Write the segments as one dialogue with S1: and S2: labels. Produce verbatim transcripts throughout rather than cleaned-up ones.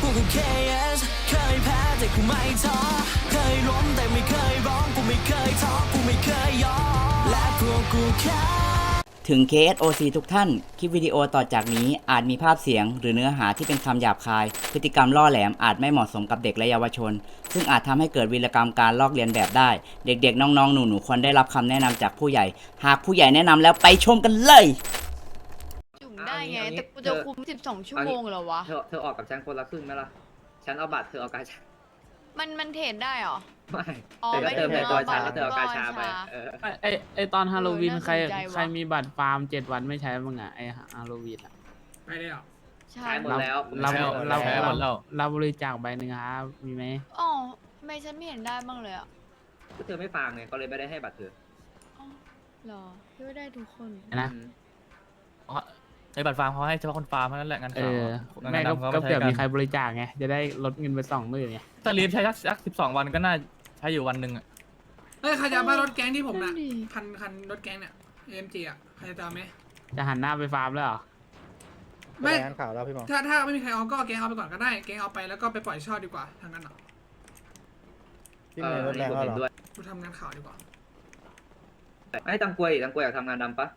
S1: กูกู เค เอส เคยแพ้แต่กูไม่ท้อเคยล้มแต่ไม่เคยร้องกูไม่เคยท้อกูไม่เคยยอมและพวกกูแค่ถึง เค เอส โอ ซี ทุกท่าน คลิปวิดีโอต่อจากนี้อาจมีภาพเสียงหรือเนื้อหาที่เป็นคำหยาบคาย พฤติกรรมล่อแหลมอาจไม่เหมาะสมกับเด็กและเยาวชน ซึ่งอาจทำให้เกิดวีรกรรมการลอกเลียนแบบได้ เด็กๆ น้องๆ หนูๆ ควรได้รับคำแนะนำจากผู้ใหญ่ หากผู้ใหญ่แนะนำแล้วไปชมกันเลย
S2: จุ่มได้ไง
S3: เอางี้
S2: แต่กูจะคุมสิบสองชั่วโมงเหรอวะ
S3: เธอเธอออกกับฉันคนละครึ่งไหมล่ะ ฉันเอาบัตรเธอเอากาชา
S2: มันมันเทรดได้เหรอ
S3: ไม่
S2: อ๋อ
S3: เธอก็เติม
S2: ไม่
S3: ใน
S2: ได้
S3: ตัวฉัน
S2: เอาบัตร
S3: แล้วเธอเอากาชาไป
S2: เอากาชา
S3: เออ
S4: ไอไอไอตอนฮาโลวีน
S2: เออ
S4: ใคร
S2: น่าสนใจว่ะ
S4: ใครมีบัตรฟาร์มเจ็ดวันไม่ใช้บ้างอะไอฮาโลวีนอะ
S5: ไปเลยเหรอ
S2: ใช่
S3: ใช้หมดแล้ว
S4: เรา
S3: ใช้หมด
S4: เรา
S3: แล้ว
S4: เราเราบริจาคใบหนึ่งครับมีไหม
S2: อ๋อทำไมฉันไม่เห็นได้บ้างเลยอ่ะ
S3: ก็เธอไม่ฟังไงก็เลยไม่ได้ให้บัตรเธอ
S2: อ๋อเหรอพี่ว่าได้ทุกคน
S4: นะ
S3: อืม
S6: ไอ้บัตรฟาร์มเขาให้เฉพาะคนฟาร์มเท่านั้นแหละงาน
S4: เอ
S6: ข่าว
S4: อ
S6: อะ
S4: แม่
S6: งาน
S4: ก็
S6: ดำเขา
S4: ก็
S6: ไม่
S4: เผื่
S6: ใช้
S4: อ
S6: กัน
S4: มีใครบริจาคไงจะได้ลดเงินไปสองหมื่นไง
S6: ถ้าลีฟใช้สักสักสิบสองวันก็น่าใช้อยู่วันหนึ่งอะ
S5: เอ้ยใครจะเอามารถแก๊งที่ผมน่ะ
S2: นั่นดิ
S5: คันคันรถแก๊งเนี่ย เอ็ม จี อ่ะ ใครจะเอาไหม
S4: จะหันหน้าไปฟาร์มแล้วเหรอ
S5: ไม่
S7: งานข่าวแล้วพี่หมอ
S5: ถ้าถ้าไม่มีใครเอาก็แก๊งเอาไปก่อนก็ได้ แก๊งเอาไปแล้วก็ไปปล่อยเช่าดีกว่าทางนั้นอ่ะ
S7: พี่มีรถแรง
S3: เออ
S7: แล้วเหรอ
S3: นี่ผมเห็นด้วย
S5: กูทำงานข่าวดีกว่า
S3: ไอ้ตังกวยตังกวยอยากทำงานดำปะ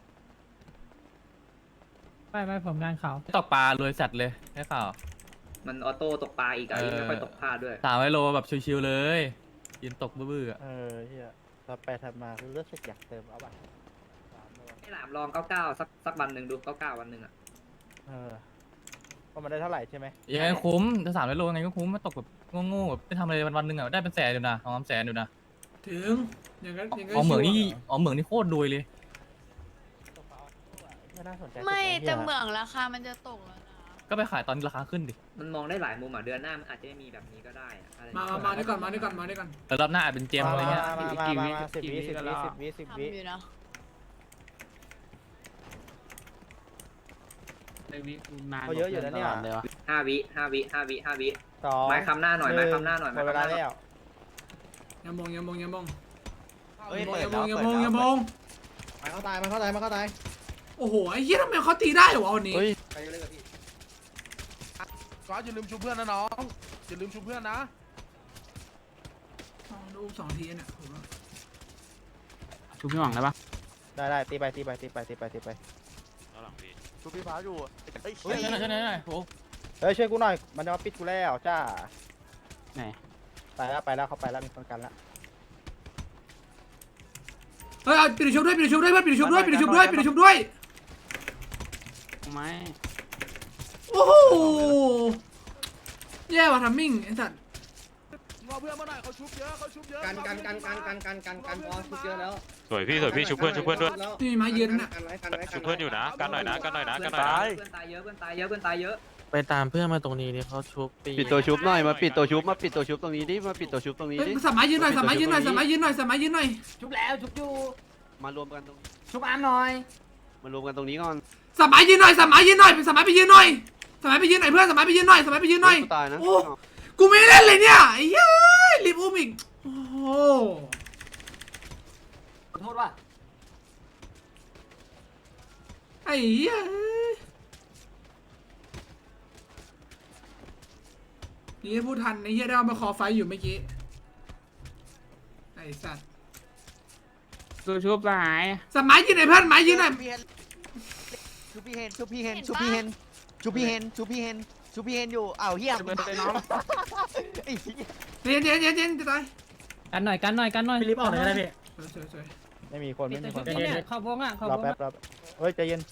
S8: ไม่ไม่ผมงานเขา
S6: ตกปลารวยสัตว์เลยแค่ข่าว
S3: มันออโต้ตกปลาอีกอะ
S6: เออ
S3: ไม่ค่อยตกพลาดด้วย
S6: สามไวโลแบบชิวๆเลยยืนตกบื้อๆอะ
S7: เออเฮียถ้าไปทำมาคือเลือกสักอยากเติมเอาบัตรสามเลย
S3: ให้หลามลองเก้าเก้าสักสักวันหนึ่งดูเก้าเก้าวันหนึ่งอะ
S7: เออก็มาได้เท่าไหร่ใช่ไหม
S6: ยังไงคุ้มจะสามไวโลยังไงก็คุ้มมาตกแบบโง่ๆแบบไม่ทำอะไรวันๆหนึ่งอะได้เป็นแสนอยู่นะสองสามแสนอยู่นะ
S5: ถึง อย่างนั้นอย่างนั้น
S6: อ๋อเหมืองนี่
S5: ชิวะ
S6: อ๋อเหมืองนี่โคตรรวยเลย
S7: ไม่น่าสนใจ
S2: ไม่
S7: สุดนะ
S2: แต่
S7: หี้ย
S2: เหมืองราคามันจะตกแล้วนะ
S6: ก็ไปขายตอนราคาขึ้นดิ
S3: มันมองได้หลายมุมอะเดือนหน้ามันอาจจะไม่มีแบบนี้ก็ได้อะอะไรอย่ง
S5: มา
S3: เงี้ย
S5: มามาด้วยก่อนมาด้วยก่อนมาด้วยก่อน
S6: แต่รอบหน้าอาจเป็นเจมอะไรเงี้ย
S7: มามามามาสิบวิสิบวิสิบวิสิบ
S2: ทำ
S7: วิ
S2: อยู่นะ
S4: ในวินาน
S7: เขาเยอะอยู่นะเนี่ย
S4: ตลดเลยวะ
S3: ห้าวิห้าวิห้าวิห้าวิ
S7: สอง
S3: ไม้คำหน้าหน่อยไม้คำหน้าหน่อย
S7: หม
S3: ไม้
S7: ดเว
S3: คำห
S7: ลา
S3: น้าหน่อย
S7: แล้ว
S5: อย่ามองอย่ามองอย่ามอง
S7: เฮ้ย
S5: อย่า
S7: เปิ
S5: ม
S7: ด
S5: อง
S7: แล้ว
S5: อย่ามองอย่ามอง
S7: มันเข้าตายมันเข้าตายมันเข้าตาย
S5: โอ้โหไอ้เหี้ยทำไมเขาตีได้เหรอวะวันนี้
S7: เฮ้ย
S9: ก็อย่าลืมชูเพื่อนนะน้องอย่าลืมชูเพื่อนนะ
S5: สองลูกสองทีเนี่ยผมว่า
S4: ชุบพี่หวังได้ปะ
S7: ได้ได้ตีไปตีไปตีไปตีไปตีไปชูพี่ฟ้าอยู่เฮ้ย
S6: เฮ้ยช่วยหน่อยช่วยหน่อยช่วยหน่อยโอ้
S7: เฮ้ยช่วยกูหน่อยมันจะมาปิดกูแล้วจ้า
S4: ไหน
S7: ไปแล้วไปแล้วเขาไปแล้วมีคนกันแล้ว
S5: เฮ้ยเอาปิดชุบด้วยปิดชุบด้วยเพื่อนปิดชุบด้วยปิดชุบด้วยปิดชุบด้วย
S4: ไม่
S5: โอ้โหแย่ว่ะทัมมิ่งไอ้สัตว์
S9: งอเพื่อนมาหน่อยเขาชุบเยอะเขาชุบเยอะ
S10: กันกันกันกันกันกันกันกันพอชุบเยอะแล้ว
S11: สวยพี่สวยพี่ชุบเพื่อนชุบเพื่อนด้วย
S5: นี่มีไม้ยืนน่ะ
S10: กันไว้กันไว้
S11: ชุบเพื่อนอยู่นะกันหน่อยนะกันหน่อยนะกันหน่อยนะ
S3: เพื่อนตายเยอะเพื่อนตายเยอะเพื่อนตายเยอะ
S6: ไปตามเพื่อนมาตรงนี้นี่เขาชุบปี
S10: ปิดตัวชุบหน่อยมาปิดตัวชุบมาปิดตัวชุบตรงนี้ดิมาปิดตัวชุบตรงนี้
S5: เฮ้ย
S10: ดิ
S5: สามไม้ยืนหน่อยสามไม้ยืนหน่อยสามไม้ยืนหน่อยสามไม้ยืนหน่อย
S8: ชุบแล้วชุบอยู่
S10: มารวมกันตรง
S8: ชุบอามหน่อย
S10: มารวมกันตรงนี้ก่อน
S5: สามไม้ยืนหน่อยสามไม้ยืนหน่อยสามไม้ไปยืนหน่อยสามไม้ไปยืนหน่อยเพื่อนสามไม้ไปยืนหน่อยสามไม้ไปยืนหน่อย
S10: ตายนะ
S5: โอ้กูไม่เล่นเลยเนี่ยไอ้เหี้ยรีบอุ้มอีกโอ้โห
S8: ขอโทษว่า
S5: ไอ้เหี้ยนี่พูดทันไอ้เหี้ยได้เอามาคอไฟอยู่เมื่อกี้ไอ้สัตว์
S4: ตัวชุบสหาย
S5: สามไม้ยืนหน่อยเพื่อนไม้ยืนหน่อย
S10: ชูพี่เฮนชูพี่เฮนชูพี่เฮนชูพี่เฮนชูพี่เฮนชูพี่เฮนอยู่อ้าวเฮีย
S4: จะเป็นไปน้อง
S10: ไอ้เหี้ย
S5: เย็นเย็นเย็นเย็นจะตาย
S8: กันหน่อยกันหน่อยกันหน่อย
S5: พี่รีบออกเลยได้พี่สวยสวย
S7: ไม่มีคนไม่มีคน
S8: เนี่ยเข้าวงอ่ะเข้าร
S7: อ
S8: วง
S7: แป๊บรอแป๊บเฮ้ยใจเย็น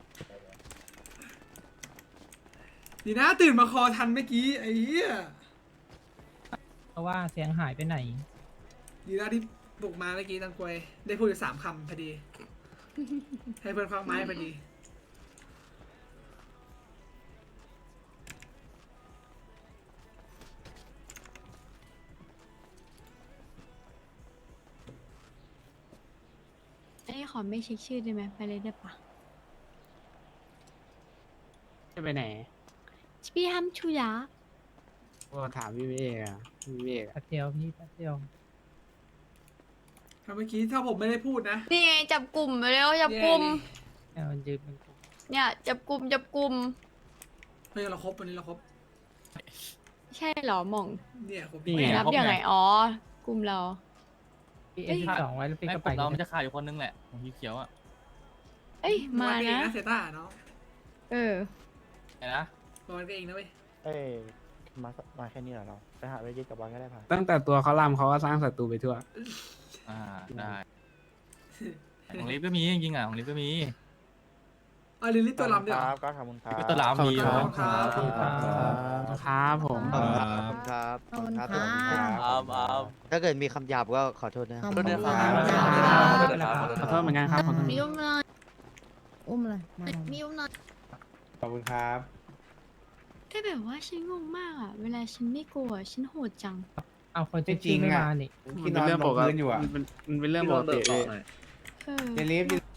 S5: ดีนะตื่นมาคอทันเมื่อกี้ไอ้เหี้ย
S8: เพราะว่าเสียงหายไปไหน
S5: ดีนะที่บุกมาเมื่อกี้ตังกวยได้พูดอยู่สามคำพอดี ให้เพื่อนควักไม้พอดี
S2: อันนี้ขอไม่เช็คชื่อได้ไหมไปเลยได้ปะ
S4: จะไปไหน
S2: พี่ฮัมชูยะ
S4: ก็ถามพี่เมฆอะพี่เมฆอะ
S8: แป๊บเดียวพี่แป๊บเดียว
S5: ถ้าเมื่อกี้ถ้าผมไม่ได้พูดนะ
S2: นี่ไงจับกลุ่มไปแล้วจับกลุ่ม
S8: แค่มันยืนเป็นกลุ่ม
S2: เนี่ยจับกลุ่มจับกลุ่ม
S5: เฮ้ยเราครบวันนี้เราครบ
S2: ใช่เหรอหม่อง
S5: เนี่ยผม
S6: นี่ไง
S2: นับยังไงอ๋อกลุ่มเรา
S8: พี่เอ็นสิบสองไว้แล้วพี่
S6: ไม่
S8: ก็
S6: ก
S8: ไป
S6: ลุ่มเรามันจะขาดอยู่คนนึงแหละของพี่เขียวอ่ะ
S2: เอ้ยมา
S5: วันเอง
S2: นะ
S5: นะเซต้าเนาะ
S2: เออ
S6: ไงนะ
S5: วันก็เองนะเว้ย
S7: เอ้ยมามาแค่นี้เหรอเราไปหาไปยึดกับบอลก็ได้พา
S4: ตั้งแต่ตัวเขาลำเขาก็สร้างศัตรูไปทั่ว
S6: อ่าได้ของลิฟก็มีจริงๆอ่ะของลิฟก็มี
S5: อ่ะลิลลี่ตัวลำด้วย
S7: ค
S5: เหร
S7: รั
S5: อบ
S7: ก็ขอบคุณครับ
S6: ก็ตัวหลามมี
S5: ขอบ
S6: เนาะ
S5: คุณครับ
S4: ครับผม
S10: ขอบคุณครับขอบคุณครับขอบคุณครับถ้าเกิดมีคำหยาบก็ขอโทษนะครับ
S7: ขอบคุณครับ
S4: ขอโทษเหมือนกันครับขอโทษ
S2: มีอุ้มหน่อย
S12: อุ้มเลยมา
S2: มีอุ้มหน่อย
S7: ขอบคุณครับ
S2: แต่แบบว่าฉันงงมากอ่ะ เวลาฉันไม่กลัวฉันโหดจัง
S8: เอาคนที่จริงไม่มานี่
S7: มันเป็นเรื่องปกติมันเป็นมันเป็นเรื่องปกติ
S3: พี่ลองเบิกต่อหน่อย
S2: เออ
S7: เจลิฟ